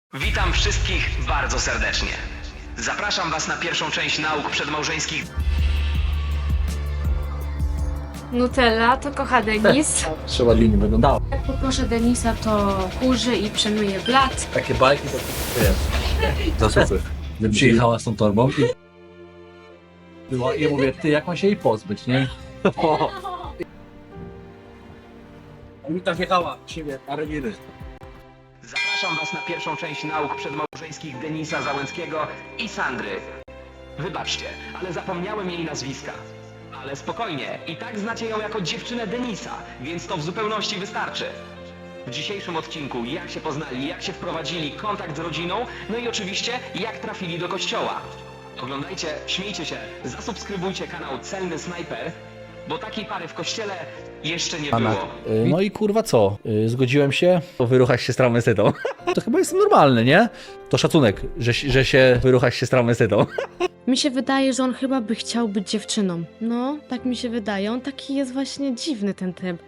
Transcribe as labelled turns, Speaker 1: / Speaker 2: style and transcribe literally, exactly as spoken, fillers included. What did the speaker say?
Speaker 1: Witam wszystkich bardzo serdecznie. Zapraszam Was na pierwszą część nauk przedmałżeńskich.
Speaker 2: Nutella to kocha Denis.
Speaker 3: Trzeba linii wyglądało.
Speaker 2: Jak poproszę Denisa, to kurzy i przemyje blat.
Speaker 3: Takie bajki to wiesz. Za super. Przyjechała z tą torbą i... Była, i ja mówię, ty jak mam się jej pozbyć, nie? A mi tak jechała, siebie, a Reginy.
Speaker 1: Zapraszam Was na pierwszą część nauk przedmałżeńskich Denisa Załęckiego i Sandry. Wybaczcie, ale zapomniałem jej nazwiska. Ale spokojnie, i tak znacie ją jako dziewczynę Denisa, więc to w zupełności wystarczy. W dzisiejszym odcinku jak się poznali, jak się wprowadzili, kontakt z rodziną, no i oczywiście jak trafili do kościoła. Oglądajcie, śmiejcie się, zasubskrybujcie kanał Celny Snajper, bo takiej pary w kościele jeszcze nie było.
Speaker 4: Y, No i kurwa co? Y, Zgodziłem się wyruchać się z traumestydą. To chyba jest normalne, nie? To szacunek, że, że się wyruchać się z traumestydą.
Speaker 2: Mi się wydaje, że on chyba by chciał być dziewczyną. No, tak mi się wydaje. On taki jest właśnie dziwny ten typ.